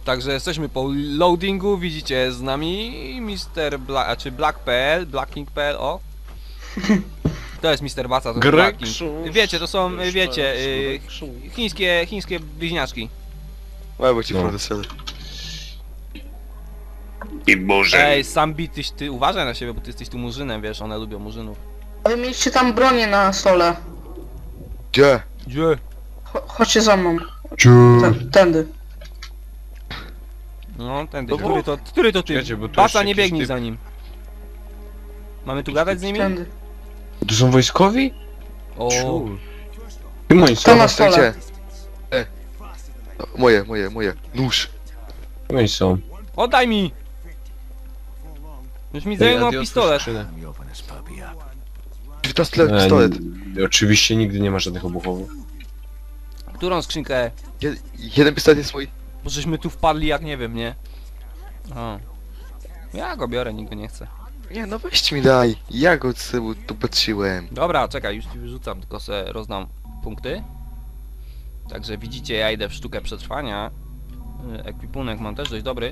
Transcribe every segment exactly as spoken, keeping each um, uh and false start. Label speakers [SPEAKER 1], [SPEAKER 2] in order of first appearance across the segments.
[SPEAKER 1] Także jesteśmy po loadingu, widzicie z nami mister Black, a czy Black.pl, Blacking.pl, o. To jest mister Baca, to jest Blacking. Wiecie, to są, wiecie, y, chińskie, chińskie bliźniaczki.
[SPEAKER 2] Łebo ci
[SPEAKER 3] No.
[SPEAKER 2] no.
[SPEAKER 3] I może.
[SPEAKER 1] Ej, Sambi, tyś, ty uważaj na siebie, bo ty jesteś tu murzynem, wiesz, one lubią murzynów.
[SPEAKER 4] A wy mieliście tam bronię na stole.
[SPEAKER 2] Gdzie?
[SPEAKER 1] Gdzie?
[SPEAKER 4] Cho chodźcie za mną. Ten, tędy.
[SPEAKER 1] No, tędy,
[SPEAKER 2] No bo-
[SPEAKER 1] który to, który to ty?
[SPEAKER 3] Czekajcie, bo tu
[SPEAKER 1] Baca,
[SPEAKER 3] jeszcze
[SPEAKER 1] nie
[SPEAKER 3] jakiś
[SPEAKER 1] biegnij
[SPEAKER 3] typ.
[SPEAKER 1] za nim. Mamy tu gadać z nimi?
[SPEAKER 4] Tędy.
[SPEAKER 3] To są wojskowi?
[SPEAKER 1] O,
[SPEAKER 3] Kim oni są?
[SPEAKER 4] To na
[SPEAKER 2] To
[SPEAKER 4] stole.
[SPEAKER 2] gdzie? E. No, moje, moje, moje. Nóż.
[SPEAKER 3] Kim oni są?
[SPEAKER 1] oddaj mi! Już mi
[SPEAKER 3] Ej,
[SPEAKER 1] zajmował
[SPEAKER 3] Adi, otwórz
[SPEAKER 1] pistolet.
[SPEAKER 3] skrzynę.
[SPEAKER 2] pistolet,
[SPEAKER 3] Ej,
[SPEAKER 2] pistolet.
[SPEAKER 3] Oczywiście nigdy nie ma żadnych obuchowych.
[SPEAKER 1] Którą skrzynkę?
[SPEAKER 2] Je, jeden pistolet jest mój.
[SPEAKER 1] Bo żeśmy tu wpadli jak nie wiem, nie? O. Ja go biorę, nikt go nie chce.
[SPEAKER 2] Nie, no weź mi daj. Ja go sobie tu patrzyłem.
[SPEAKER 1] Dobra, czekaj, już ci wyrzucam, tylko se rozdam punkty. Także widzicie, ja idę w sztukę przetrwania. Y, Ekwipunek mam też dość dobry.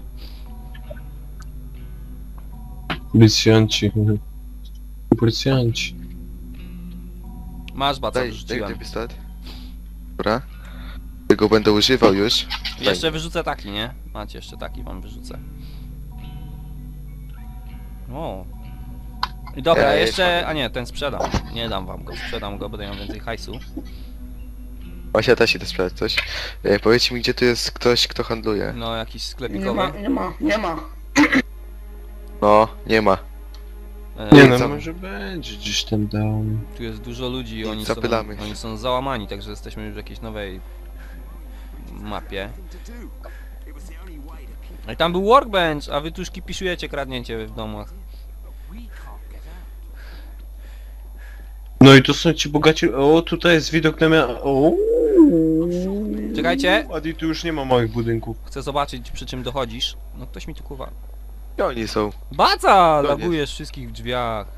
[SPEAKER 3] Policjanci. Policjanci.
[SPEAKER 1] Masz, baca,
[SPEAKER 2] Daj, daj
[SPEAKER 1] wyrzuciłem.
[SPEAKER 2] ten pistolet. Dobra. Tego będę używał już.
[SPEAKER 1] Jeszcze wyrzucę taki, nie? Macie, jeszcze taki wam wyrzucę. O. I dobra,
[SPEAKER 2] Ej,
[SPEAKER 1] jeszcze... A nie, ten sprzedam. Nie dam wam go, sprzedam go, będę miał więcej hajsu.
[SPEAKER 2] Właśnie też idę sprzedać coś. E, powiedzcie mi, gdzie tu jest ktoś, kto handluje.
[SPEAKER 1] No, jakiś
[SPEAKER 4] Nie
[SPEAKER 1] sklepikowy.
[SPEAKER 4] ma, nie ma, nie ma.
[SPEAKER 2] No, nie ma.
[SPEAKER 1] E,
[SPEAKER 3] Nie
[SPEAKER 2] Nie,
[SPEAKER 3] no,
[SPEAKER 2] co?
[SPEAKER 3] może będzie gdzieś tam down.
[SPEAKER 1] Tu jest dużo ludzi i oni są,
[SPEAKER 2] Zapylamy.
[SPEAKER 1] oni są załamani, także jesteśmy już w jakiejś nowej mapie. No i tam był workbench, a wy tu już kipiszujecie kradnięcie w domach.
[SPEAKER 3] No i to są ci bogaci... O, tutaj jest widok na mia... O.
[SPEAKER 1] Czekajcie.
[SPEAKER 3] Adi, tu już nie ma małych budynków.
[SPEAKER 1] Chcę zobaczyć, przy czym dochodzisz. No ktoś mi tu kuwa.
[SPEAKER 2] Gdzie oni są?
[SPEAKER 1] Baca!
[SPEAKER 2] No,
[SPEAKER 1] Lagujesz wszystkich w drzwiach.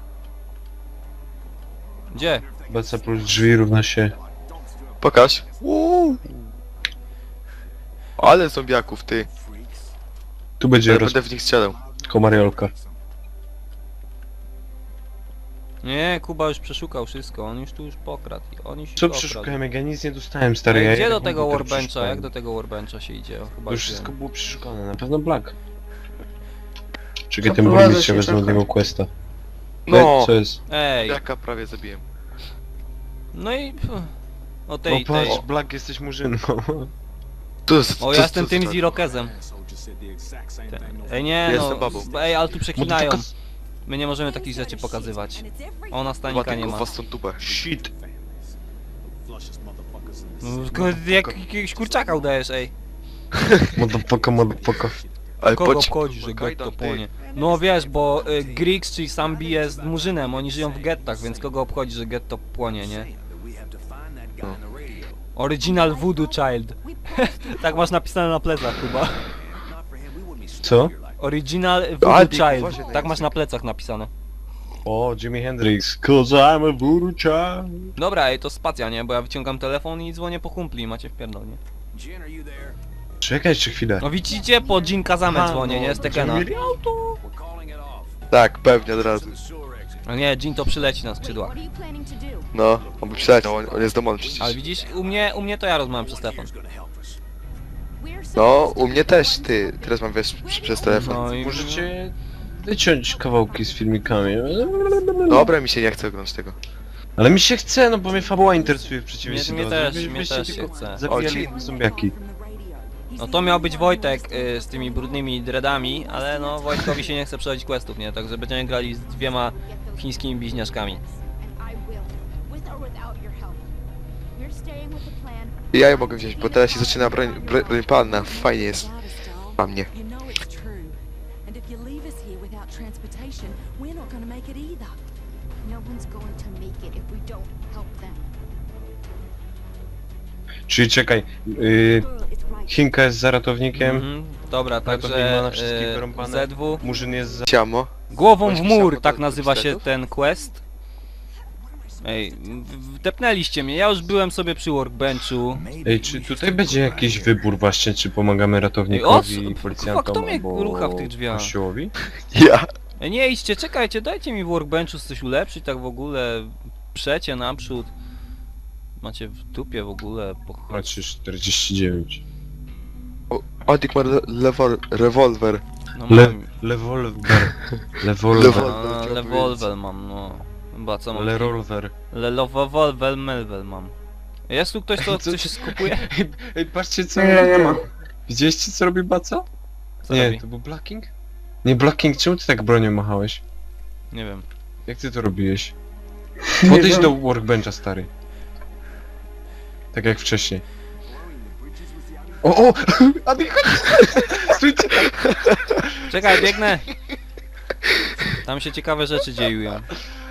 [SPEAKER 1] Gdzie?
[SPEAKER 3] Baca plus drzwi równa się...
[SPEAKER 2] Pokaż. Uuu. Ale zombiaków, ty.
[SPEAKER 3] Tu będzie
[SPEAKER 2] Ja
[SPEAKER 3] roz...
[SPEAKER 2] będę w nich strzelał.
[SPEAKER 3] komariolka.
[SPEAKER 1] Nie, Kuba już przeszukał wszystko, on już tu już pokradł. On już
[SPEAKER 3] Co
[SPEAKER 1] okradł.
[SPEAKER 3] przeszukałem, jak ja nic nie dostałem, stary.
[SPEAKER 1] Ej,
[SPEAKER 3] ja
[SPEAKER 1] gdzie
[SPEAKER 3] jak
[SPEAKER 1] do tego
[SPEAKER 3] komputer
[SPEAKER 1] workbencha?
[SPEAKER 3] przeszukałem.
[SPEAKER 1] Jak do tego workbencha się idzie? O, chyba
[SPEAKER 3] To już
[SPEAKER 1] wiem.
[SPEAKER 3] wszystko było przeszukane, na pewno Black. Czekaj, ten
[SPEAKER 4] Zaprowadzę
[SPEAKER 3] burmistrz się
[SPEAKER 4] się,
[SPEAKER 3] wezmę od
[SPEAKER 4] czekaj.
[SPEAKER 3] niego questa.
[SPEAKER 2] No.
[SPEAKER 3] E, co jest?
[SPEAKER 1] Ej,
[SPEAKER 2] Jaka prawie zabiłem.
[SPEAKER 1] no i... pff, O
[SPEAKER 3] No
[SPEAKER 1] tej, tej.
[SPEAKER 3] patrz, Black jesteś murzyną.
[SPEAKER 2] Tu jest,
[SPEAKER 1] O, ja jestem tym z Irokezem. Ej, nie
[SPEAKER 2] Ja
[SPEAKER 1] no,
[SPEAKER 2] jestem babą.
[SPEAKER 1] ej, ale tu przeklinają.
[SPEAKER 3] Motherfuckers.
[SPEAKER 1] My nie możemy takich rzeczy pokazywać. Ona stanika nie ma.
[SPEAKER 2] was tą tubę.
[SPEAKER 3] Shit.
[SPEAKER 1] No, tylko jak jakiegoś kurczaka udajesz, ej.
[SPEAKER 3] Motherfucker, motherfucker.
[SPEAKER 2] Ale
[SPEAKER 1] Kogo
[SPEAKER 2] patrz,
[SPEAKER 1] obchodzi, że
[SPEAKER 2] Kajdan,
[SPEAKER 1] getto
[SPEAKER 2] ty.
[SPEAKER 1] płonie? No wiesz, bo y, Griggs, czyli Sambi jest murzynem, oni żyją w gettach, więc kogo obchodzi, że getto płonie, nie?
[SPEAKER 2] No.
[SPEAKER 1] Original Voodoo Child. Tak masz napisane na plecach chyba.
[SPEAKER 3] Co?
[SPEAKER 1] Original
[SPEAKER 2] Ale
[SPEAKER 1] Voodoo
[SPEAKER 2] ty,
[SPEAKER 1] Child.
[SPEAKER 2] uważaj na
[SPEAKER 1] Tak masz
[SPEAKER 2] język.
[SPEAKER 1] na plecach napisane.
[SPEAKER 3] O, Jimi Hendrix. Cause I'm a voodoo child.
[SPEAKER 1] Dobra, ej, to spacja, nie? Bo ja wyciągam telefon i dzwonię po kumpli, macie wpierdol, nie?
[SPEAKER 3] Czekaj jeszcze chwilę.
[SPEAKER 1] No widzicie, po Jin Kazame
[SPEAKER 3] Aha,
[SPEAKER 1] dzwonię,
[SPEAKER 3] no,
[SPEAKER 1] nie? Z Tekena.
[SPEAKER 3] będziemy mieli auto.
[SPEAKER 2] Tak, pewnie od razu.
[SPEAKER 1] No nie, Jin to przyleci na skrzydłach.
[SPEAKER 2] No, on by przyleciał, on, on jest domowany przecież.
[SPEAKER 1] Ale widzisz, u mnie, u mnie to ja rozmawiam przez telefon.
[SPEAKER 2] No, u mnie też, ty. Teraz mam wiesz, przy- przez telefon.
[SPEAKER 1] No i...
[SPEAKER 3] Możecie wyciąć kawałki z filmikami.
[SPEAKER 2] Dobra, mi się nie chce oglądać tego.
[SPEAKER 3] Ale mi się chce, no bo mnie fabuła interesuje w
[SPEAKER 1] Mnie,
[SPEAKER 3] przeciwieństwie
[SPEAKER 1] mnie
[SPEAKER 3] do
[SPEAKER 1] też,
[SPEAKER 3] Wy-
[SPEAKER 1] mnie
[SPEAKER 3] wyście
[SPEAKER 1] też się
[SPEAKER 3] tylko
[SPEAKER 1] chce.
[SPEAKER 3] Zabijali zombiaki.
[SPEAKER 1] No to miał być Wojtek y, z tymi brudnymi dreadami, ale no Wojtkowi się nie chce przechodzić questów, nie? Także będziemy grali z dwiema chińskimi bliźniaczkami.
[SPEAKER 2] Ja je mogę wziąć, bo teraz się zaczyna broń, broń, broń palna. Fajnie jest. Dla mnie.
[SPEAKER 3] Czyli czekaj, yy, Chinka jest za ratownikiem,
[SPEAKER 1] Mhm, dobra,
[SPEAKER 3] Ratownik
[SPEAKER 1] także
[SPEAKER 3] ma na wszystkich
[SPEAKER 1] y,
[SPEAKER 3] wyrąbane.
[SPEAKER 1] Z W
[SPEAKER 3] Murzyn jest za...
[SPEAKER 2] Ciamo.
[SPEAKER 1] Głową w
[SPEAKER 2] Weź
[SPEAKER 1] mur,
[SPEAKER 2] pisamo
[SPEAKER 1] tak
[SPEAKER 2] do
[SPEAKER 1] nazywa się
[SPEAKER 2] pistoletów?
[SPEAKER 1] ten quest. Ej, w- wdepnęliście mnie, ja już byłem sobie przy workbenchu.
[SPEAKER 3] Ej, czy tutaj będzie jakiś wybór właśnie, czy pomagamy
[SPEAKER 1] Ej, o,
[SPEAKER 3] ratownikowi,
[SPEAKER 1] co-
[SPEAKER 3] policjantom,
[SPEAKER 1] kto mnie
[SPEAKER 3] albo
[SPEAKER 1] rucha w tych drzwiach?
[SPEAKER 3] kościołowi?
[SPEAKER 2] Ja.
[SPEAKER 1] Ej, nie idźcie, czekajcie, dajcie mi w workbenchu coś ulepszyć, tak w ogóle. Przecie naprzód. Macie w dupie w ogóle, po
[SPEAKER 3] Macie czterdzieści dziewięć.
[SPEAKER 2] Odik ma le- lewol- rewolwer.
[SPEAKER 1] No
[SPEAKER 3] Le...
[SPEAKER 1] mam...
[SPEAKER 3] Lewolwer. Lewolwer.
[SPEAKER 2] Lewol-
[SPEAKER 1] A,
[SPEAKER 2] chciałem
[SPEAKER 1] Lewolwer mam, no. Chyba co mam?
[SPEAKER 3] Lerolwer.
[SPEAKER 1] Lelowolwer melwel mam. Jest tu ktoś, kto
[SPEAKER 3] Co
[SPEAKER 1] coś skupuje?
[SPEAKER 3] Ej, ej, patrzcie co
[SPEAKER 4] Nie, nie ma.
[SPEAKER 3] Widzieliście co robi Baca?
[SPEAKER 1] Co
[SPEAKER 3] Nie,
[SPEAKER 1] robi?
[SPEAKER 3] to był Blacking? Nie, Blacking, czemu ty tak bronią machałeś?
[SPEAKER 1] Nie wiem.
[SPEAKER 3] Jak ty to robiłeś?
[SPEAKER 4] Nie
[SPEAKER 3] Podejdź
[SPEAKER 4] wiem.
[SPEAKER 3] do workbencha, stary. Tak jak wcześniej. O, o! Adi, chodź! Stójcie!
[SPEAKER 1] Czekaj, biegnę! Tam się ciekawe rzeczy dzieją.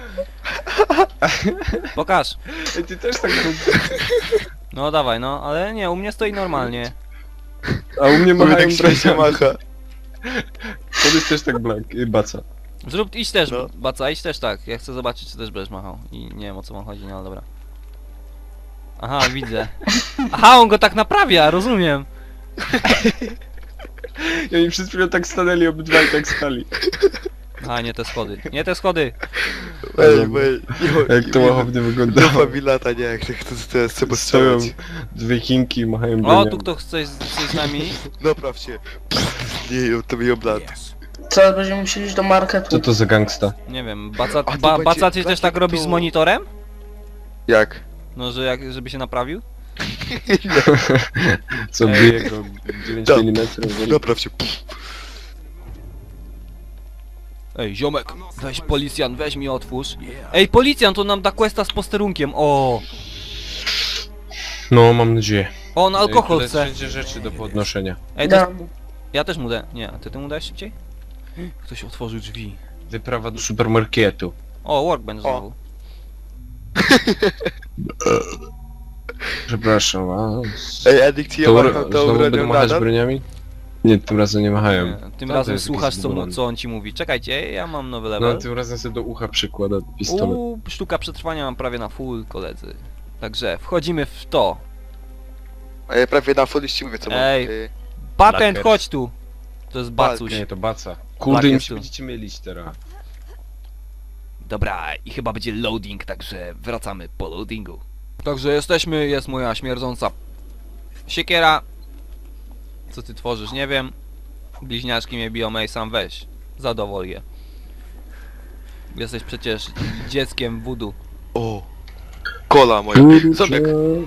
[SPEAKER 1] Pokaż!
[SPEAKER 3] Ej, ty też tak rób.
[SPEAKER 1] No dawaj, no, ale nie, u mnie stoi normalnie.
[SPEAKER 3] A u mnie
[SPEAKER 2] Mówię
[SPEAKER 3] machają
[SPEAKER 2] tak śmiesznie
[SPEAKER 3] broniami.
[SPEAKER 2] macha.
[SPEAKER 3] Podejdź też tak Black, y, Baca.
[SPEAKER 1] Zrób, idź też,
[SPEAKER 2] No.
[SPEAKER 1] Baca, idź też tak. Ja chcę zobaczyć, czy też będziesz machał. I nie wiem o co wam chodzi, no ale dobra. Aha, widzę. Aha, on go tak naprawia, rozumiem.
[SPEAKER 3] I oni przez chwilę tak stanęli, obydwaj tak stali.
[SPEAKER 1] Aha, nie te schody. Nie te schody!
[SPEAKER 2] Ej, wej.
[SPEAKER 3] Jak to łachownie wygląda.
[SPEAKER 2] Do familiata, nie, jak to teraz trzeba
[SPEAKER 3] Stoją
[SPEAKER 2] strzelać.
[SPEAKER 3] dwie chinki i machają
[SPEAKER 1] O,
[SPEAKER 3] broniami.
[SPEAKER 1] tu kto chce z, z nami?
[SPEAKER 2] Napraw się. Nie, to mi oblat.
[SPEAKER 4] Teraz będziemy musieli iść do marketu.
[SPEAKER 3] Co to za gangsta?
[SPEAKER 1] Nie wiem, Baca,
[SPEAKER 2] A to
[SPEAKER 1] ba,
[SPEAKER 2] będzie-
[SPEAKER 1] Baca ty też
[SPEAKER 2] będzie
[SPEAKER 1] tak robisz z
[SPEAKER 2] tu-
[SPEAKER 1] monitorem?
[SPEAKER 2] Jak?
[SPEAKER 1] No, że jak, żeby się naprawił?
[SPEAKER 3] Co
[SPEAKER 1] Ej.
[SPEAKER 3] bije go dziewięć
[SPEAKER 2] Tak.
[SPEAKER 3] milimetrów?
[SPEAKER 2] Napraw się.
[SPEAKER 1] Ej, ziomek, weź policjant, weź mi otwórz. Ej, policjant, to nam da questa z posterunkiem, o!
[SPEAKER 3] No, mam nadzieję.
[SPEAKER 1] On alkohol
[SPEAKER 3] Ej,
[SPEAKER 1] chce.
[SPEAKER 3] tutaj wszędzie rzeczy do podnoszenia.
[SPEAKER 1] Ej, to,
[SPEAKER 4] Dam.
[SPEAKER 1] ja też mu dę. Nie, a ty ty mu dałeś szybciej? Ktoś otworzył drzwi.
[SPEAKER 3] Wyprawa do supermarketu.
[SPEAKER 1] O, workbench znowu.
[SPEAKER 3] Przepraszam was.
[SPEAKER 2] Ej, Edik, ci ja
[SPEAKER 3] To,
[SPEAKER 2] macham
[SPEAKER 3] znowu
[SPEAKER 2] tą
[SPEAKER 3] będą
[SPEAKER 2] bronią
[SPEAKER 3] machać
[SPEAKER 2] nadal?
[SPEAKER 3] broniami? Nie, tym razem nie machają.
[SPEAKER 1] Nie, tym
[SPEAKER 3] to
[SPEAKER 1] razem
[SPEAKER 3] jest
[SPEAKER 1] słuchasz
[SPEAKER 3] jakiś
[SPEAKER 1] co, mu,
[SPEAKER 3] zbudowany.
[SPEAKER 1] co on ci mówi. Czekajcie, ja mam nowy
[SPEAKER 3] No,
[SPEAKER 1] level.
[SPEAKER 3] tym razem sobie do ucha przykłada pistolet.
[SPEAKER 1] Uuu, sztuka przetrwania mam prawie na full, koledzy. Także wchodzimy w to.
[SPEAKER 2] Ej, prawie na full ci mówię co mam.
[SPEAKER 1] Ej.
[SPEAKER 2] Ej,
[SPEAKER 1] Patent,
[SPEAKER 3] Blackers.
[SPEAKER 1] chodź tu! To jest bacuś.
[SPEAKER 3] Nie, to baca.
[SPEAKER 1] Black
[SPEAKER 3] Kurde, im
[SPEAKER 1] jest
[SPEAKER 3] się
[SPEAKER 1] tu.
[SPEAKER 3] będziecie mylić teraz.
[SPEAKER 1] Dobra, i chyba będzie loading, także wracamy po loadingu. Także jesteśmy, jest moja śmierdząca siekiera. Co ty tworzysz, nie wiem. Bliźniaczki mnie biją, ej, sam weź. Zadowol je. Jesteś przecież dzieckiem voodoo.
[SPEAKER 2] O. Kola moja. Zobacz.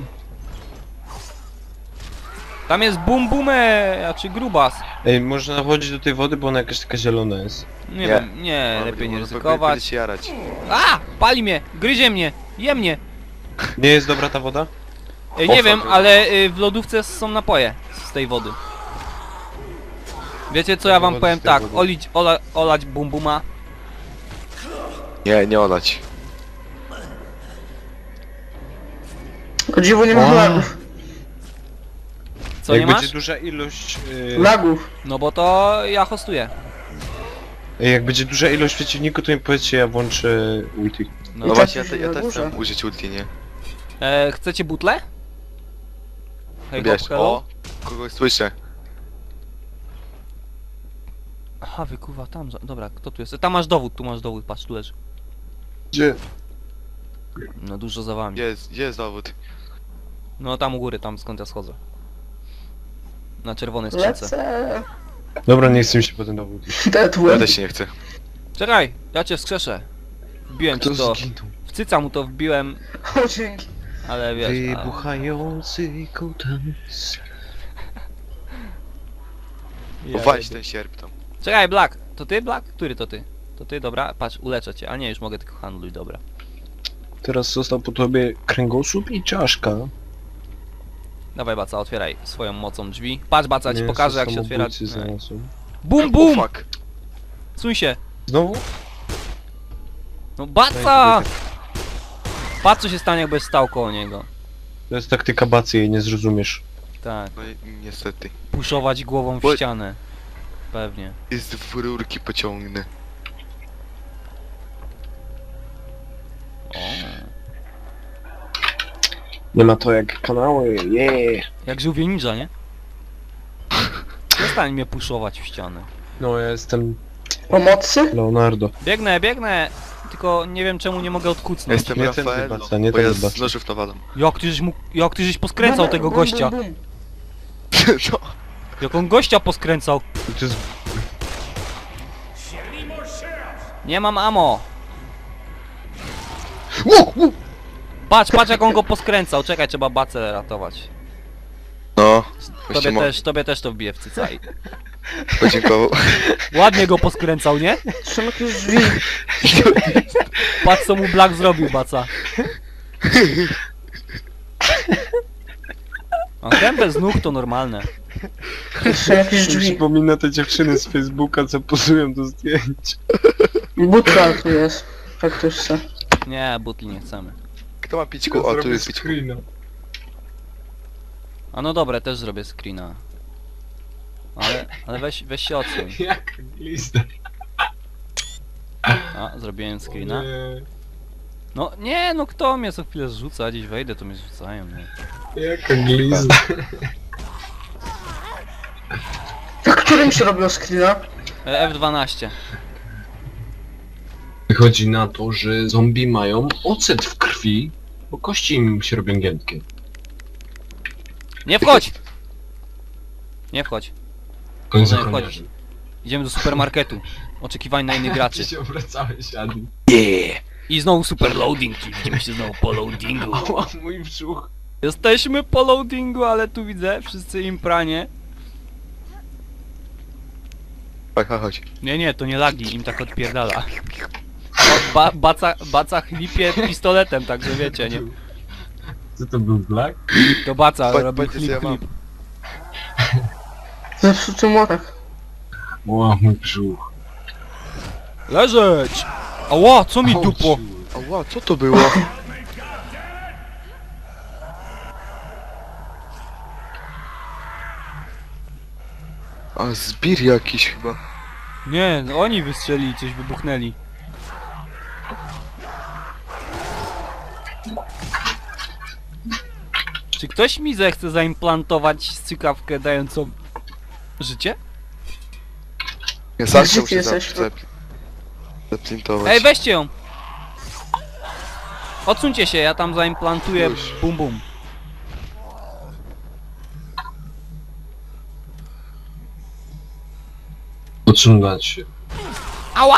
[SPEAKER 1] Tam jest bum bumę, a czy grubas.
[SPEAKER 3] Ej, można wchodzić do tej wody, bo ona jakaś taka zielona jest.
[SPEAKER 1] Nie,
[SPEAKER 2] Nie.
[SPEAKER 1] wiem, nie, lepiej nie
[SPEAKER 2] Będę
[SPEAKER 1] ryzykować.
[SPEAKER 2] się jarać.
[SPEAKER 1] A! Pali mnie! Gryzie mnie! Je mnie!
[SPEAKER 3] Nie jest dobra ta woda?
[SPEAKER 1] Ej,
[SPEAKER 2] O,
[SPEAKER 1] nie wiem,
[SPEAKER 2] fuck.
[SPEAKER 1] ale y, w lodówce są napoje z tej wody. Wiecie co ja wam
[SPEAKER 3] Wody
[SPEAKER 1] powiem
[SPEAKER 3] z tej
[SPEAKER 1] tak,
[SPEAKER 3] wody.
[SPEAKER 1] olić, ola, olać bum buma.
[SPEAKER 2] Nie, nie olać.
[SPEAKER 4] O dziwo nie ma
[SPEAKER 3] O.
[SPEAKER 4] lagów.
[SPEAKER 1] Co,
[SPEAKER 3] Jak
[SPEAKER 1] nie
[SPEAKER 3] będzie
[SPEAKER 1] masz?
[SPEAKER 3] duża ilość... Yy...
[SPEAKER 4] Lagów.
[SPEAKER 1] No bo to ja hostuję.
[SPEAKER 3] Ej, jak będzie duża ilość przeciwników, to mi powiedzcie, ja włączę ulti.
[SPEAKER 2] No,
[SPEAKER 4] I tak
[SPEAKER 2] właśnie, ja,
[SPEAKER 4] już
[SPEAKER 2] te, ja
[SPEAKER 4] na
[SPEAKER 2] też
[SPEAKER 4] górze.
[SPEAKER 2] chcę użyć ulti, nie?
[SPEAKER 1] E, chcecie butle? Hej,
[SPEAKER 2] Wiesz,
[SPEAKER 1] hop, hello?
[SPEAKER 2] o, kogoś słyszę.
[SPEAKER 1] Aha, wykuwa tam, za... dobra, kto tu jest? E, Tam masz dowód, tu masz dowód, patrz, tu leży.
[SPEAKER 3] Gdzie?
[SPEAKER 1] No dużo za wami.
[SPEAKER 2] Gdzie jest, gdzie jest dowód?
[SPEAKER 1] No tam u góry, tam skąd ja schodzę. Na czerwonej skrzynce.
[SPEAKER 4] Lecę.
[SPEAKER 3] Dobra, nie chcę mi się potem dowód.
[SPEAKER 2] Ja
[SPEAKER 4] Deadwood.
[SPEAKER 2] też się nie chcę.
[SPEAKER 1] Czekaj, ja cię wskrzeszę. Wbiłem ci to,
[SPEAKER 3] zginął?
[SPEAKER 1] w cyca mu to wbiłem,
[SPEAKER 4] O dzięki.
[SPEAKER 1] ale wiesz... A...
[SPEAKER 3] Wybuchający kutans.
[SPEAKER 1] Ja
[SPEAKER 2] Weź
[SPEAKER 1] jebie.
[SPEAKER 2] ten sierp tam.
[SPEAKER 1] Czekaj, Black, to ty, Black? Który to ty? To ty, dobra, patrz, uleczę cię, a nie, już mogę tylko handluj, dobra.
[SPEAKER 3] Teraz został po tobie kręgosłup i czaszka.
[SPEAKER 1] Dawaj, Baca, otwieraj swoją mocą drzwi. Patrz, Baca, ja ci
[SPEAKER 3] Nie,
[SPEAKER 1] pokażę jak się otwiera...
[SPEAKER 3] samobójcy
[SPEAKER 1] Ej.
[SPEAKER 3] znalazłem.
[SPEAKER 1] Bum,
[SPEAKER 2] O
[SPEAKER 1] bum!
[SPEAKER 2] fuck.
[SPEAKER 1] Suń się!
[SPEAKER 3] Znowu?
[SPEAKER 1] No Baca! Patrz co się stanie, jakbyś stał koło niego.
[SPEAKER 3] To jest taktyka bacy, jej nie zrozumiesz.
[SPEAKER 1] Tak,
[SPEAKER 2] No i niestety.
[SPEAKER 1] puszować głową w
[SPEAKER 2] Bo-
[SPEAKER 1] ścianę. Pewnie.
[SPEAKER 2] Jest w rurki pociągnę.
[SPEAKER 1] O.
[SPEAKER 3] Nie ma to jak kanały, nie.
[SPEAKER 1] Jak żółwie ninja, nie? Przestań mnie puszować w ścianę.
[SPEAKER 3] No ja jestem
[SPEAKER 4] Pomocy?
[SPEAKER 3] Leonardo.
[SPEAKER 1] Biegnę, biegnę! Tylko nie wiem czemu nie mogę
[SPEAKER 2] Ja
[SPEAKER 1] odkucnąć.
[SPEAKER 2] jestem
[SPEAKER 3] Nie ten
[SPEAKER 2] Rafaello,
[SPEAKER 3] wybaca, nie
[SPEAKER 2] bo
[SPEAKER 3] ten
[SPEAKER 2] ja z
[SPEAKER 3] wybaca.
[SPEAKER 2] nożów nawalam.
[SPEAKER 1] Jak ty żeś mu... Jak ty żeś poskręcał
[SPEAKER 4] Bum,
[SPEAKER 1] tego
[SPEAKER 4] bum,
[SPEAKER 1] gościa?
[SPEAKER 4] bum, bum.
[SPEAKER 2] No.
[SPEAKER 1] Jak on gościa poskręcał?
[SPEAKER 3] To jest...
[SPEAKER 1] Nie mam ammo! Patrz, patrz jak on go poskręcał. Czekaj, trzeba bacę ratować.
[SPEAKER 2] No.
[SPEAKER 1] Tobie
[SPEAKER 2] Właśnie mo-
[SPEAKER 1] też, tobie też to wbije w cycaj.
[SPEAKER 2] podziękował.
[SPEAKER 1] Ładnie go poskręcał, nie?
[SPEAKER 4] Są jakieś drzwi.
[SPEAKER 1] Patrz co mu Black zrobił, baca. A ten bez nóg to normalne.
[SPEAKER 4] Są jakieś
[SPEAKER 3] Mi
[SPEAKER 4] drzwi.
[SPEAKER 3] przypomina te dziewczyny z Facebooka, co pozują do zdjęć.
[SPEAKER 4] Butka tu jest. Jak ktoś chce.
[SPEAKER 1] Nie, butli nie chcemy.
[SPEAKER 2] Kto ma pićku? O, tu jest pićku.
[SPEAKER 1] A no dobra, też zrobię screena. Ale, ale weź, weź się odsuń.
[SPEAKER 3] Jak glizda.
[SPEAKER 1] A, zrobiłem screena. No nie, no kto mnie co chwilę zrzuca, gdzieś wejdę to mnie zrzucają, nie?
[SPEAKER 3] Jaka glizda.
[SPEAKER 4] W którym się robiło screena?
[SPEAKER 1] E, F dwanaście.
[SPEAKER 3] Wychodzi na to, że zombie mają ocet w krwi, bo kości im się robią giętkie.
[SPEAKER 1] Nie wchodź! Nie wchodź.
[SPEAKER 3] Koniec
[SPEAKER 1] Nie
[SPEAKER 3] ochroniarzy.
[SPEAKER 1] wchodź. Idziemy do supermarketu. Oczekiwań na innych graczy.
[SPEAKER 3] się obracałeś, Adi.
[SPEAKER 1] Yeah! I znowu super loading, czyli widzimy się znowu po loadingu.
[SPEAKER 3] Ała, mój brzuch.
[SPEAKER 1] Jesteśmy po loadingu, ale tu widzę, wszyscy im pranie.
[SPEAKER 2] Chodź, chodź, chodź.
[SPEAKER 1] Nie, nie, to nie lagi, im tak odpierdala. O, ba, baca, baca chlipie pistoletem, także wiecie, nie?
[SPEAKER 3] Co to był Black?
[SPEAKER 1] To baca
[SPEAKER 2] Chodź,
[SPEAKER 1] robi
[SPEAKER 2] chodź,
[SPEAKER 1] chlip,
[SPEAKER 2] ja mam.
[SPEAKER 1] chlip.
[SPEAKER 4] Zepsuty młotek.
[SPEAKER 3] Ła, mój brzuch.
[SPEAKER 1] Leżeć! Ała, co mi dupło?
[SPEAKER 2] Ała, co to było? A, zbir jakiś chyba.
[SPEAKER 1] Nie, no oni wystrzelili, coś wybuchnęli. Czy ktoś mi zechce zaimplantować strzykawkę dającą życie?
[SPEAKER 2] Ja zawsze
[SPEAKER 4] Gdzie ty
[SPEAKER 2] muszę
[SPEAKER 4] jesteś?
[SPEAKER 2] zap- zap- zaprintować.
[SPEAKER 1] Ej, weźcie ją! Odsuńcie się, ja tam zaimplantuję
[SPEAKER 2] Już.
[SPEAKER 1] bum bum.
[SPEAKER 3] Odsunąć się.
[SPEAKER 1] Ała!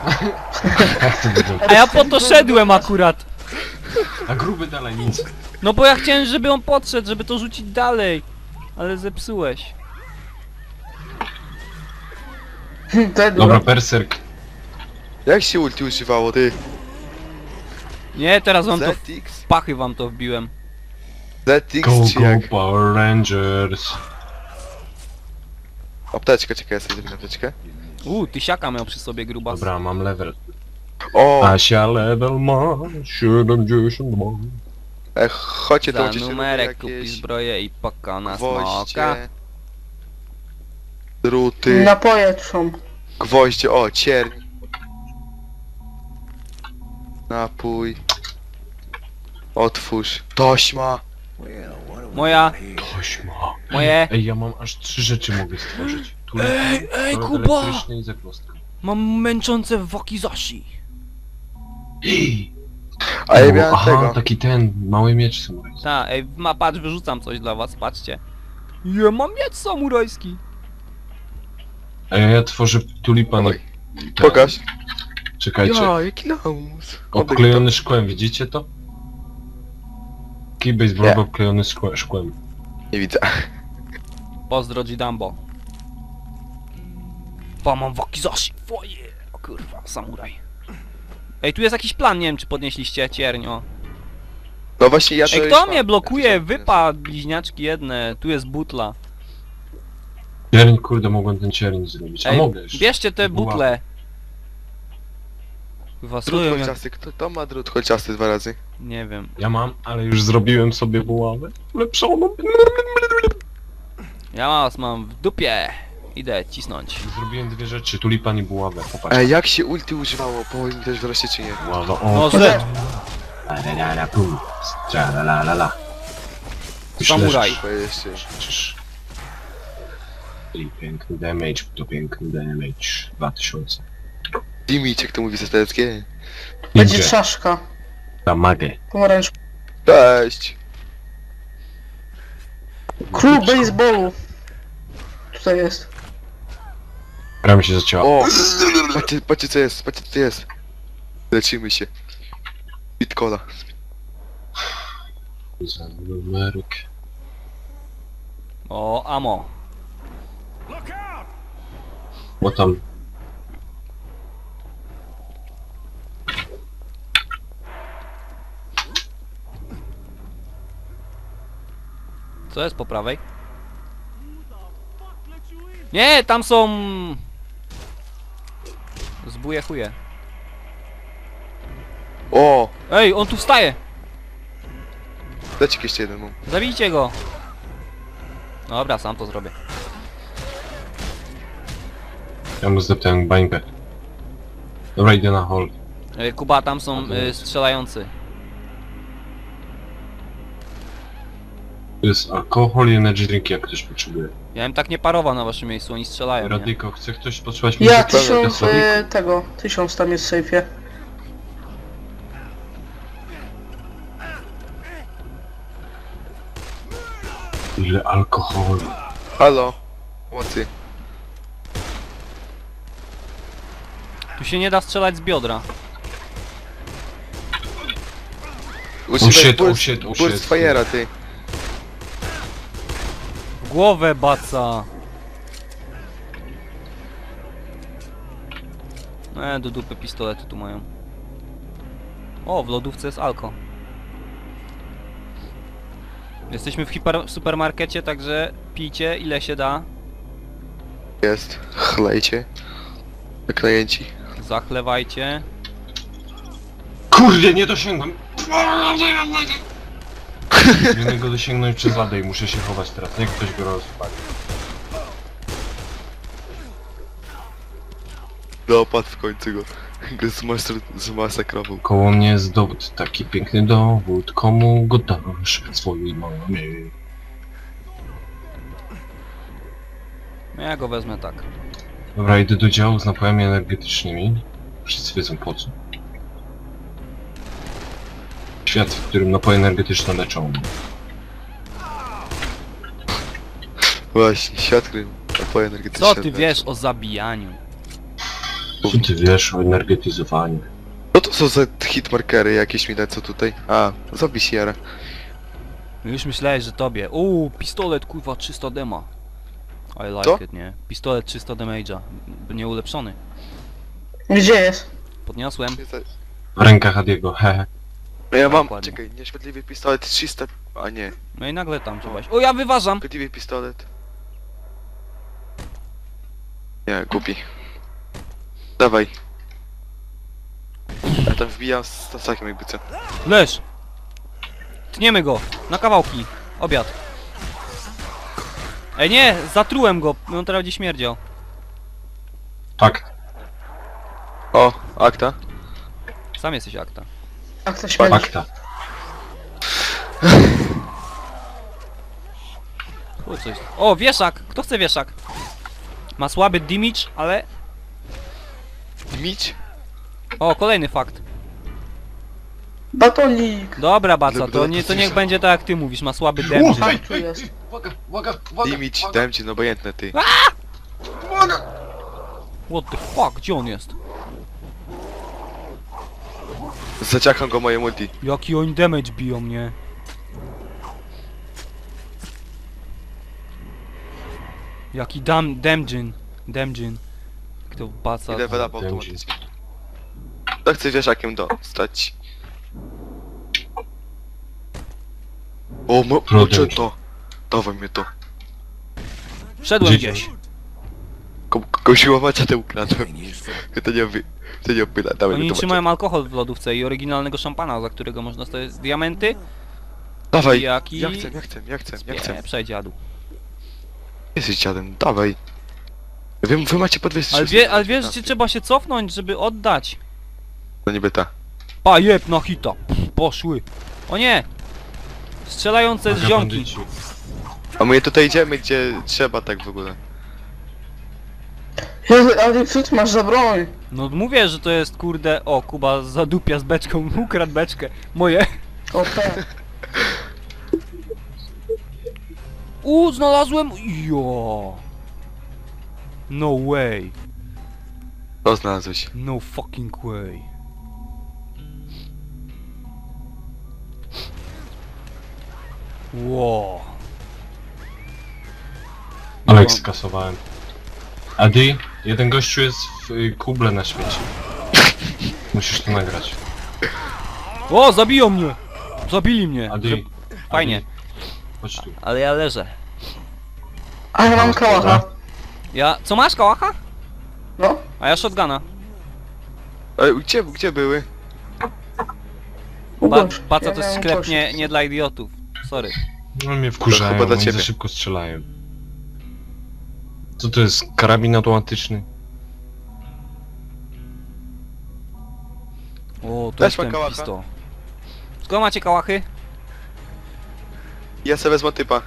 [SPEAKER 1] A ja po to szedłem akurat.
[SPEAKER 3] A gruby dalej nic.
[SPEAKER 1] No bo ja chciałem, żeby on podszedł, żeby to rzucić dalej. Ale zepsułeś.
[SPEAKER 4] Te
[SPEAKER 3] Dobra, berserk.
[SPEAKER 2] Jak się ulti używało, ty?
[SPEAKER 1] Nie, teraz wam to w
[SPEAKER 2] Z X?
[SPEAKER 1] pachy wam to wbiłem.
[SPEAKER 2] Z X
[SPEAKER 3] Go,
[SPEAKER 2] czy
[SPEAKER 3] go,
[SPEAKER 2] jak?
[SPEAKER 3] Power Rangers.
[SPEAKER 2] Apteczkę, czekaj, ja sobie zrobię apteczkę.
[SPEAKER 1] Uuu, tysiaka miał przy sobie grubas.
[SPEAKER 3] Dobra, mam level.
[SPEAKER 2] O!
[SPEAKER 3] Asia level ma siedemdziesiąt ma.
[SPEAKER 2] E, chodźcie, to
[SPEAKER 1] Za
[SPEAKER 2] będziecie
[SPEAKER 1] numerek kupi
[SPEAKER 2] jakieś
[SPEAKER 1] zbroję i paka na smoka.
[SPEAKER 2] gwoździe, druty,
[SPEAKER 4] napoje są.
[SPEAKER 2] gwoździe, o, cierń. Napój. Otwórz. Tośma.
[SPEAKER 1] Moja,
[SPEAKER 3] Tośma.
[SPEAKER 1] moje.
[SPEAKER 3] Ej, ja mam aż trzy rzeczy mogę stworzyć. Tu
[SPEAKER 1] Ej, ej,
[SPEAKER 3] prąd
[SPEAKER 1] Kuba!
[SPEAKER 3] elektryczny i zagwozdka.
[SPEAKER 1] Mam męczące wakizashi.
[SPEAKER 3] Ej!
[SPEAKER 2] A ja
[SPEAKER 3] O,
[SPEAKER 2] miałem
[SPEAKER 3] aha,
[SPEAKER 2] tego.
[SPEAKER 3] taki ten, mały miecz samurajski.
[SPEAKER 1] Ta, ej, ma, patrz, wyrzucam coś dla was, patrzcie. Je, mam miecz samurajski.
[SPEAKER 3] A ja, ja tworzę tulipan.
[SPEAKER 2] Oj. Pokaż.
[SPEAKER 3] Czekajcie.
[SPEAKER 2] Ja, jaki lamus.
[SPEAKER 3] Obklejony szkłem, widzicie to? Kij baseballowy
[SPEAKER 2] Nie.
[SPEAKER 3] obklejony szkłem. szkłem.
[SPEAKER 2] Nie widzę.
[SPEAKER 1] Pozdro Jidambo. Pa, mam wakizashi, foje. O kurwa, samuraj. Ej, tu jest jakiś plan, nie wiem czy podnieśliście cierń, o.
[SPEAKER 2] No właśnie ja to
[SPEAKER 1] Ej,
[SPEAKER 2] już
[SPEAKER 1] kto
[SPEAKER 2] mam.
[SPEAKER 1] mnie blokuje?
[SPEAKER 2] Ja to już mam.
[SPEAKER 1] Wypad, bliźniaczki jedne, tu jest butla.
[SPEAKER 3] Cierń, kurde, mogłem ten cierń zrobić. A
[SPEAKER 1] Ej,
[SPEAKER 3] mogę jeszcze.
[SPEAKER 1] bierzcie te
[SPEAKER 3] Była.
[SPEAKER 1] butle. Kurwa,
[SPEAKER 2] Drut
[SPEAKER 1] stoją jak...
[SPEAKER 2] kolczasty, kto to ma drut kolczasty dwa razy?
[SPEAKER 1] Nie wiem.
[SPEAKER 3] Ja mam, ale już zrobiłem sobie buławę. Lepszoną.
[SPEAKER 1] Ja was mam w dupie. Idę cisnąć.
[SPEAKER 3] Zrobiłem dwie rzeczy, tulipan i buławę. Popatrz.
[SPEAKER 2] Ej, jak się ulti używało? Powiedz mi też wreszcie czy nie.
[SPEAKER 3] Buława,
[SPEAKER 1] No
[SPEAKER 3] o.
[SPEAKER 1] rzecz.
[SPEAKER 3] La la la la pum. Tra la la la la. Już
[SPEAKER 1] Samuraj.
[SPEAKER 3] leżysz.
[SPEAKER 2] Bo jeszcze.
[SPEAKER 3] Przecież... I piękny damage, to piękny damage. dwa tysiące.
[SPEAKER 2] Dimić, jak to mówi sestereckie.
[SPEAKER 4] Będzie
[SPEAKER 3] Ninja.
[SPEAKER 4] czaszka.
[SPEAKER 3] Damage.
[SPEAKER 4] Pomarańcz.
[SPEAKER 2] Cześć!
[SPEAKER 4] Król baseballu. Tutaj jest.
[SPEAKER 3] Gra mi się zacięła.
[SPEAKER 2] O! Patrzcie, patrzcie co jest, patrzcie co jest. Lecimy się. Bitcola.
[SPEAKER 3] Za numerek.
[SPEAKER 1] O, amo.
[SPEAKER 3] Bo tam...
[SPEAKER 1] Co jest po prawej? Nie, tam są... Zbuje chuje.
[SPEAKER 2] O!
[SPEAKER 1] Ej, on tu wstaje!
[SPEAKER 2] Dajcie jeszcze jeden mam.
[SPEAKER 1] Zabijcie go! Dobra, sam to zrobię.
[SPEAKER 3] Ja mu zdeptałem bańkę. Dobra, idę na hall.
[SPEAKER 1] Ej, Kuba, tam są y, strzelający.
[SPEAKER 3] To jest alkohol i energy drink, jak ktoś potrzebuje.
[SPEAKER 1] Ja bym tak nie parował na waszym miejscu, oni strzelają, nie?
[SPEAKER 3] Radyko, chce ktoś potrzebować
[SPEAKER 4] Ja
[SPEAKER 3] muzyki?
[SPEAKER 4] tysiąc
[SPEAKER 3] Dla
[SPEAKER 4] y, tego. Tysiąc tam jest w sejfie.
[SPEAKER 3] Ile alkoholu.
[SPEAKER 2] Halo? Pomocy.
[SPEAKER 1] Tu się nie da strzelać z biodra.
[SPEAKER 2] Używaj
[SPEAKER 3] shit, oh
[SPEAKER 2] burst,
[SPEAKER 3] shit, oh
[SPEAKER 2] burst
[SPEAKER 3] shit.
[SPEAKER 2] fire'a, ty.
[SPEAKER 1] W głowę baca! E, do dupy pistolety tu mają. O, w lodówce jest alko. Jesteśmy w hiper supermarkecie, także pijcie ile się da.
[SPEAKER 2] Jest. Chlejcie. Klienci.
[SPEAKER 1] Zachlewajcie.
[SPEAKER 3] Kurde, nie dosięgłem! Powinienem go dosięgnąć przez ladę i muszę się chować teraz, niech ktoś go rozpali.
[SPEAKER 2] Dopadł w końcu go. Go zmasakr zmasakrował.
[SPEAKER 3] Koło mnie jest dowód, taki piękny dowód, komu go dasz swojej mamie.
[SPEAKER 1] No ja go wezmę tak.
[SPEAKER 3] Dobra, idę do działu z napojami energetycznymi. Wszyscy wiedzą po co. Świat, w którym napoje energetyczne leczą.
[SPEAKER 2] Właśnie, świat, który napoje energetyczne.
[SPEAKER 1] Co ty wiesz o zabijaniu?
[SPEAKER 3] Co ty wiesz o energetyzowaniu?
[SPEAKER 2] Co to są za hitmarkery jakieś mi co tutaj? A, zabij Sierra.
[SPEAKER 1] Już myślałeś, że tobie. Uuu, pistolet kurwa trzysta dema. I like
[SPEAKER 2] Co?
[SPEAKER 1] it, nie? Pistolet trzysta damage'a. Nie ulepszony.
[SPEAKER 4] Gdzie jest?
[SPEAKER 1] Podniosłem.
[SPEAKER 3] W rękach Adiego, hehe.
[SPEAKER 2] No ja mam,
[SPEAKER 1] Dokładnie.
[SPEAKER 2] czekaj, nieświetliwy pistolet trzysta... A nie,
[SPEAKER 1] No i nagle tam trzeba iść. O, ja wyważam!
[SPEAKER 2] szkodliwy pistolet. Nie, głupi. Dawaj. Ja tam wbijam z tasakiem jakby co.
[SPEAKER 1] Leż! Tniemy go! Na kawałki! Obiad! Ej nie! Zatrułem go! On teraz będzie śmierdział.
[SPEAKER 3] Fakt,
[SPEAKER 2] O, akta.
[SPEAKER 1] Sam jesteś akta.
[SPEAKER 4] Jak to śmierdzi?
[SPEAKER 3] fakta.
[SPEAKER 1] O, coś. O, wieszak! Kto chce wieszak? Ma słaby damage, ale...
[SPEAKER 2] Dmić?
[SPEAKER 1] O, kolejny fakt.
[SPEAKER 4] Batonik!
[SPEAKER 1] Dobra, Baca,
[SPEAKER 2] Dobra,
[SPEAKER 1] to, nie, to niech będzie tak jak ty mówisz, ma słaby damage.
[SPEAKER 4] Tam tu jest.
[SPEAKER 3] Uwaga, uwaga, uwaga,
[SPEAKER 2] Dimić, dałem ci, no obojętne ty.
[SPEAKER 1] What the fuck? Gdzie on jest?
[SPEAKER 2] Zaciacham go moje multi.
[SPEAKER 1] Jaki oni damage biją mnie. Jaki dam... damjin. Damjin. Kto Baca...
[SPEAKER 2] Idę weda automatycznie. To chcę wieszakiem dostać. O, mo... mocze to. Dawaj mnie to.
[SPEAKER 1] Wszedłem
[SPEAKER 3] Gdzie-
[SPEAKER 1] gdzieś.
[SPEAKER 2] Ko Koziła macia te ukradłem. To nie wy... To nie opyla, dawaj
[SPEAKER 1] Oni
[SPEAKER 2] mnie to
[SPEAKER 1] trzymają alkohol w lodówce i oryginalnego szampana, za którego można sobie diamenty.
[SPEAKER 2] Dawaj,
[SPEAKER 1] Jaki-
[SPEAKER 2] ja chcę, ja chcę, ja chcę, ja chcę.
[SPEAKER 1] Nie, przejdziadu.
[SPEAKER 2] Jesteś dziadem, dawaj. Wiem, wy macie po dwieście
[SPEAKER 1] Ale, wie, ale wiesz, że trzeba się cofnąć, żeby oddać.
[SPEAKER 2] No niby ta.
[SPEAKER 1] Pa, jeb na hita. Pff, poszły. O nie! Strzelające z
[SPEAKER 3] Uwaga,
[SPEAKER 1] ziomki.
[SPEAKER 3] bandyci.
[SPEAKER 2] A my tutaj idziemy, gdzie trzeba tak w ogóle.
[SPEAKER 4] Jezu, ale co ty masz za broń?
[SPEAKER 1] No mówię, że to jest kurde... O, Kuba zadupia z beczką, ukradł beczkę. Moje.
[SPEAKER 4] O tak.
[SPEAKER 1] U, znalazłem... Jo. No way.
[SPEAKER 2] O, znalazłeś.
[SPEAKER 1] No fucking way. Wow.
[SPEAKER 3] Ale
[SPEAKER 1] No.
[SPEAKER 3] ich skasowałem. Adi, jeden gościu jest w y, kuble na świecie. Musisz to nagrać.
[SPEAKER 1] O, zabiją mnie! Zabili mnie!
[SPEAKER 3] Adi,
[SPEAKER 1] Że... Fajnie.
[SPEAKER 3] Adi, chodź tu.
[SPEAKER 1] Ale ja leżę.
[SPEAKER 4] A ja mam kałacha.
[SPEAKER 1] Ja... Co masz, kałacha?
[SPEAKER 4] No.
[SPEAKER 1] A ja shotguna.
[SPEAKER 2] Ej, gdzie, gdzie były?
[SPEAKER 1] Ba
[SPEAKER 4] Ugość.
[SPEAKER 1] Baca
[SPEAKER 4] Ja
[SPEAKER 1] to jest
[SPEAKER 4] miałem
[SPEAKER 1] sklep
[SPEAKER 4] kość.
[SPEAKER 1] nie, nie dla idiotów. Sorry.
[SPEAKER 3] No mnie wkurzają,
[SPEAKER 2] chyba dla
[SPEAKER 3] oni
[SPEAKER 2] ciebie.
[SPEAKER 3] za szybko strzelają. Co to jest? Karabin automatyczny?
[SPEAKER 1] O, to
[SPEAKER 2] Też
[SPEAKER 1] jest
[SPEAKER 2] ma
[SPEAKER 1] ten
[SPEAKER 2] kałacha?
[SPEAKER 1] pisto. Skąd macie kałachy?
[SPEAKER 2] Ja sobie wezmę typa.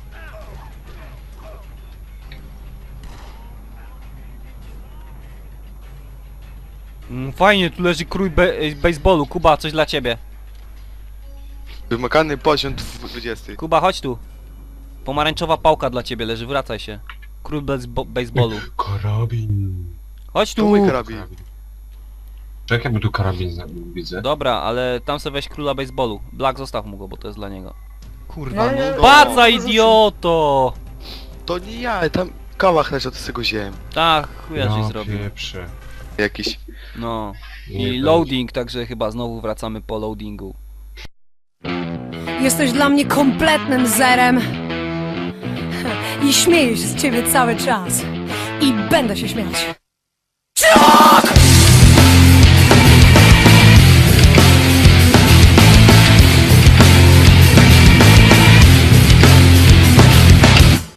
[SPEAKER 1] Mm, fajnie, tu leży krój be baseballu. Kuba, coś dla ciebie.
[SPEAKER 2] Wymagany poziom dwudziesty.
[SPEAKER 1] Kuba, chodź tu. Pomarańczowa pałka dla ciebie leży, wracaj się. Król basebo- baseballu.
[SPEAKER 3] Karabin.
[SPEAKER 1] Chodź
[SPEAKER 2] To
[SPEAKER 1] tu!
[SPEAKER 2] mój karabin.
[SPEAKER 3] Czekaj, bo tu karabin zna- widzę.
[SPEAKER 1] Dobra, ale tam sobie weź króla baseballu. Black, zostaw mu go, bo to jest dla niego. Kurwa,
[SPEAKER 4] No
[SPEAKER 1] no.
[SPEAKER 4] nie,
[SPEAKER 1] Baca,
[SPEAKER 4] no,
[SPEAKER 1] idioto!
[SPEAKER 2] To nie ja, tam kałach leży, to z tego wziąłem.
[SPEAKER 1] Tak, chuja żeś
[SPEAKER 3] Ja
[SPEAKER 1] zrobił.
[SPEAKER 3] pieprze.
[SPEAKER 2] Jakiś.
[SPEAKER 1] No.
[SPEAKER 3] Nie
[SPEAKER 1] I
[SPEAKER 3] będzie.
[SPEAKER 1] loading, także chyba znowu wracamy po loadingu.
[SPEAKER 5] Jesteś dla mnie kompletnym zerem. I śmieję się z ciebie cały czas. I będę się śmiać.